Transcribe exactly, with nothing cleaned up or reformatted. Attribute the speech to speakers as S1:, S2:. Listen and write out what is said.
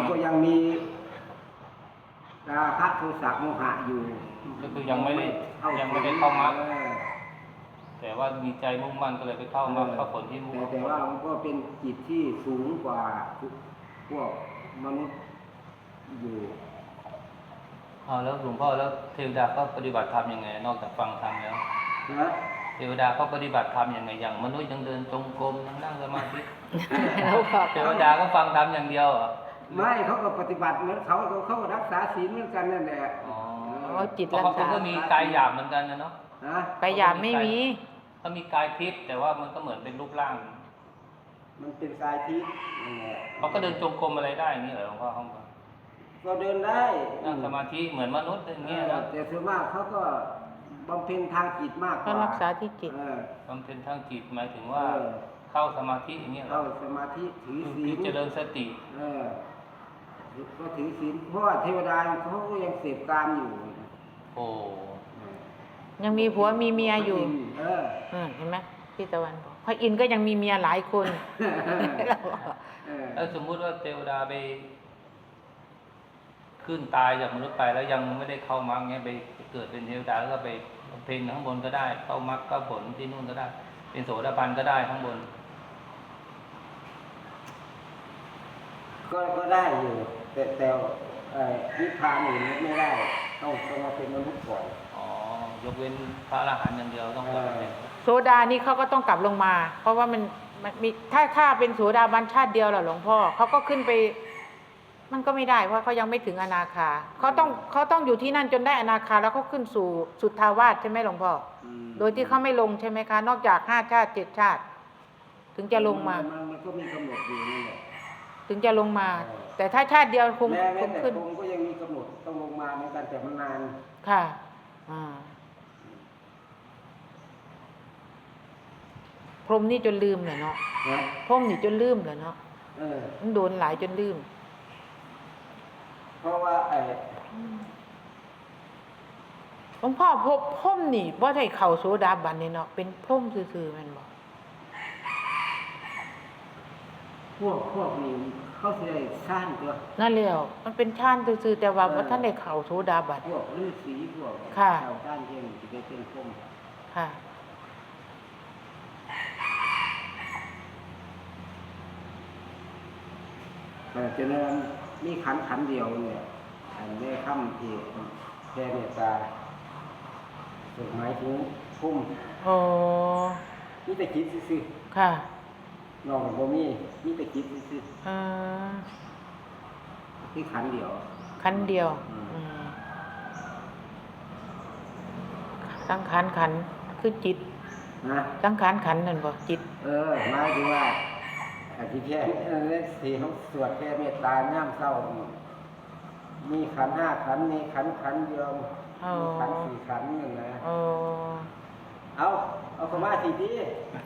S1: ก็ยังมีราคะโทสะโมหะอยู่
S2: ก็คือยังไม่ได้ยังไม่ได้เข้ามรรคแต่ว่ามีใจมุ่งมั่นก็เลยไปเข้ามรรคเข้าผลที่มุ่ง
S1: แต่แต่ว่ามันก็เป็นจิตที่สูงกว่าพวกมนุษย์อยู่
S2: เอาแล้วหลวงพ่อแล้วเทวดาเขาปฏิบัติธรรมยังไงนอกจากฟังธรรมแล้ว
S1: นะ
S2: เทวดาเขาปฏิบัติธรรมยังไงอย่างมนุษย์ยังเดินจงกรมยังนั่งสมาธิเทวดาก็ฟังธรรมอย่างเดียวเหรอ
S1: ไม่เขาก็ปฏิบัติเหมือนเขาเขาเขาก็รักษาศีลเหมือนกันนั่นแหละ
S2: อ๋อ
S3: เขาจิต
S2: เพราะ
S3: รัก
S2: เขา
S3: ษา
S2: ก็มีกายหยาบเหมือนกันนะเนาะ
S1: นะ
S3: กายหยาบไม่มี
S2: เขามีกายทิพย์แต่ว่ามันก็เหมือนเป็นรูปร่าง
S1: มันเป็นกายทิพย์นั่นแหละ
S2: เขาก็เดินจงกรมอะไรได้อย่างนี้เหรอหลวงพ่อเขาบอก
S1: ก็เดินได้
S2: นั่งสมาธิเหมือนมนุษย์อย่าง
S1: เอ
S2: เงี้ย
S1: อ
S2: นะ
S1: แต่ส่วนมากเขาก็บำเพ็ญทางจิตมากก
S3: ก็
S1: ว่า
S3: รักษาที่จิต
S1: เออบ
S2: ำเพ็ญทางจิตหมายถึงว่า
S1: เออ
S2: เข้าสมาธิอย่างเงี้ยเหร
S1: เข้า
S2: อ
S1: สมาธิถือศี
S2: คือ
S1: ล
S2: เจริญสติ
S1: เออก็ถือศีลเพราะว่าเทวดาเขาก็ยังเสพกามอยู่
S2: โอ้
S3: ยังมีผัวมีเมียอยู่
S1: เออ
S3: เออเห็นไหมพี่ตะวันบอกพระอินทร์ก็ยังมีเมียหลายคน
S1: เออ
S2: แล้วสมมุติว่าเทวดาไป ขึ้นตายจากมนุษย์ไปแล้วยังไม่ได้เข้ามรรคเงี้ยไปเกิดเป็นเทวดาแล้วก็ไปบำเพ็ญข้างบนก็ได้ เข้ามรรคเข้าผลที่นู่นก็ได้ เป็นโสดาบันก็ได้ข้างบน
S1: ก็ก็ได้อยู่ แต่แต่เอ่อนิพพานนี่ไม่ได้ต้องต้องมาเป็นมนุษย์ก่อน
S2: อ๋อยกเว้นพระอรหันต์อย่างเดียวต้องกลับมาเป็น
S3: โสดานี่เขาก็ต้องกลับลงมา เพราะว่ามันมันมีถ้าถ้าเป็นโสดาบันชาติเดียวแหละหลวงพ่อเขาก็ขึ้นไป มันก็ไม่ได้เพราะเขายังไม่ถึงอนาคาเขาต้องเขาต้องอยู่ที่นั่นจนได้อนาคาแล้วเขาขึ้นสู่สุทธาวาสใช่ไหมหลวงพ่อ
S1: อืม
S3: โดยที่เขาไม่ลงใช่ไหมคะ นอกจากห้าชาติเจ็ดชาติ ถึงจะลงมา
S1: นมันก็มีกำหนดอยู่นั่นแหละ
S3: ถึงจะลงมา
S1: เออ
S3: แต่ถ้าชาติเดียวคง
S1: แม้
S3: ค
S1: แม้
S3: ง
S1: แต่
S3: ขึ้น
S1: ผมก็ยังมีกำหนดต้องลงมาเหมือนกันแต่มันนาน
S3: ค่ะอ่าพรหมนี่จนลืมเลยเนาะ
S1: นะ
S3: พรหมนี่จนลืมเลยเนาะ
S1: เออ
S3: มันโดนหลายจนลืม
S1: เพราะว่าไอ้
S3: หลวงพ่อพบพรหมนี่ว่าได้เข่าโสดาบันนี่เนาะเป็นพรหมซื่อๆแมันบอก
S1: พวกพวกนี้เขาสิได้สร้างตัว
S3: นั่นแล้วมันเป็นชาติซื่อๆแต่ว่าว่าท่านได้เข่าโสดาบัน
S1: พวกฤาษีพวก
S3: ค่ะ
S1: ชาวด้านเที่ยงจะได้เป็นพวก
S3: ค่ะ
S1: แต่จะนั้นมีขันขันเดียวเนี่ยอันนี้ค่ำที่แค่เนี่ยตาสุดหมายถึงพุ่ม
S3: โอ้
S1: มีแต่คิดซื่อ
S3: ค่ะ
S1: ๆนอกจากบ่มีมีแต่คิดซื่อ
S3: อ่า
S1: ๆที่ขันเดียว
S3: ขันเดียว
S1: อืม
S3: อืมสังขารขันคือจิต
S1: นะ
S3: สังขารขันนั่นบ่จิต
S1: เออหมายถึงว่าอธิแค่เออสีเขาสวดแค่เมตตาย่ามเศร้า มีขันห้าขันมีขันขันเดียว
S3: อ๋อ
S1: มีขันสี่ขันหนึ่งนะ
S3: โอ้
S1: เอาเอาเข้ามาทีดี